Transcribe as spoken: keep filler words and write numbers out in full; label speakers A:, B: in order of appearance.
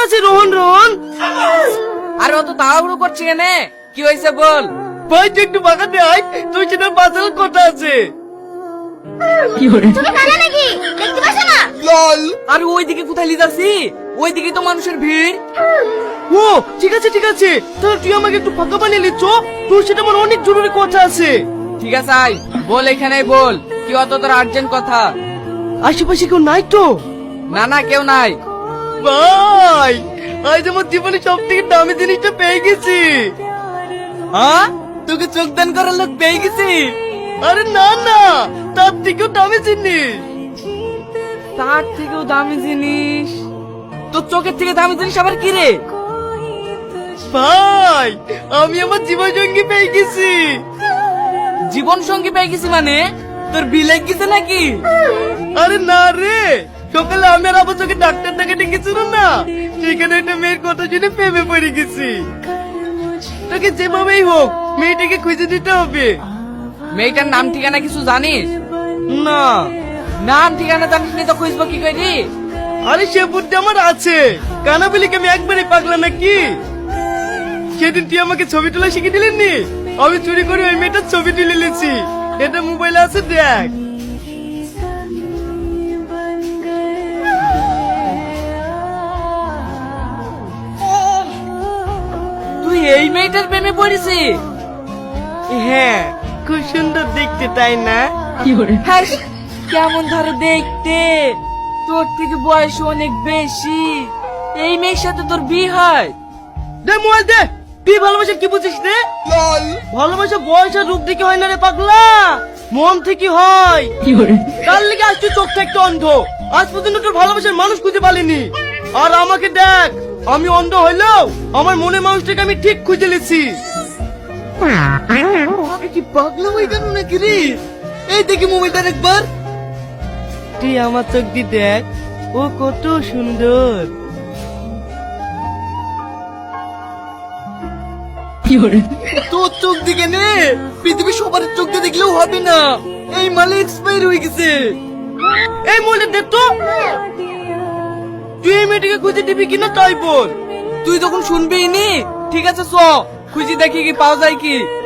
A: আছে রোহন রোহন।
B: আরে অত তাড়াহুড়ো করছি কেন? কি হয়েছে বল।
A: ভাই তুই একটু বাগাতে আয়, তুই সেটা বাঁচার কথা আছে।
C: তুমি কানা নাকি দেখতে পাচ্ছ না?
B: আরে ওইদিকে কোথায় লিয়ে যাচ্ছি? ওইদিকে তো মানুষের ভিড়।
A: ও ঠিক আছে ঠিক আছে, তাহলে তুই আমাকে একটু ফাঁকা বানিয়ে নিচ্ছ, তোর সেটা আমার অনেক জরুরি কথা আছে।
B: ঠিক আছে আয়, বল এখানেই বল, কি অত তোর আর্জেন্ট কথা?
A: আশেপাশে কেউ নাই তো?
B: না না কেউ নাই।
A: ভাই আজ আমার জীবনে সব থেকে দামি জিনিসটা পেয়ে গেছি।
B: হ্যাঁ, তোকে চোখ দান করার লোক পেয়ে গেছি।
A: আরে না না, তার থেকেও দামি জিনিস।
B: তার থেকেও দামি জিনিস? তোর চোখের থেকে দামি জিনিস আবার কি রে?
A: ভাই আমি আমার জীবন সঙ্গী পেয়ে গেছি।
B: জীবন সঙ্গী পেয়ে গেছি মানে তোর বিলে গেছে নাকি?
A: আরে না রে, সকালে আমি আর আবার তোকে ডাক্তার দেখাতে গেছিল না, সেখানে একটা মেয়ের কথা শুনে প্রেমে পড়ে গেছি। তোকে যেভাবেই হোক মেয়েটাকে খুঁজে দিতে হবে।
B: মেয়েটার নাম ঠিকানা কিছু জানিস?
A: না।
B: নাম ঠিকানা জানিস নি তো খুঁজবো কি করে?
A: আরে সে বুদ্ধি আমার আছে, কানা বলি কি আমি একবারই পাগলা নাকি? সেদিন তুই আমাকে ছবি তোলা শিখে দিলেন নি, আমি চুরি করে ওই মেয়েটার ছবি তুলে নিয়েছি। এটা মোবাইলে আছে, দেখ।
B: তুই এই মেয়েটার প্রেমে পড়েছিস?
A: হ্যাঁ, খুব সুন্দর দেখতে তাই না?
B: হ্যাঁ, কেমন ধরো দেখতে, তোর থেকে বয়স অনেক বেশি। এই মেয়ের সাথে তোর বিয়ে হয়?
A: দে মোবাইল দে। তুই ভালোবাসা কি বুঝিস রে? ভালোবাসা বয়স আর রূপ দেখে হয় না রে পাগলা, মন থেকে হয়। কাল লেগে আজ তুই চোখ থাকতে অন্ধ, আজ পর্যন্ত তোর ভালোবাসার মানুষ খুঁজে পালিনি। আর আমাকে দেখ, আমি অন্ধ হইলেও আমার মনের মানুষটাকে আমি ঠিক খুঁজে নিয়েছি। আমি কি পাগলা হয়ে গেল নাকি রে? এই দেখি মোবাইলটা একবার। তুই আমার চোখ দিয়ে দেখ, ও কত সুন্দর।
B: তোর চোখ দিকে নে, পৃথিবীর সবার চোখ দিয়ে দেখলেও হবে না, এই মালে এক্সপায়ার হয়ে গেছে।
A: এই মোবাইলটা দেখ তো, তুই এই মেয়েটাকে খুঁজে দিবি কিনা তাই বল।
B: তুই তখন শুনবি নি? ঠিক আছে চ, খুঁজি দেখি কি পাওয়া যায় কি।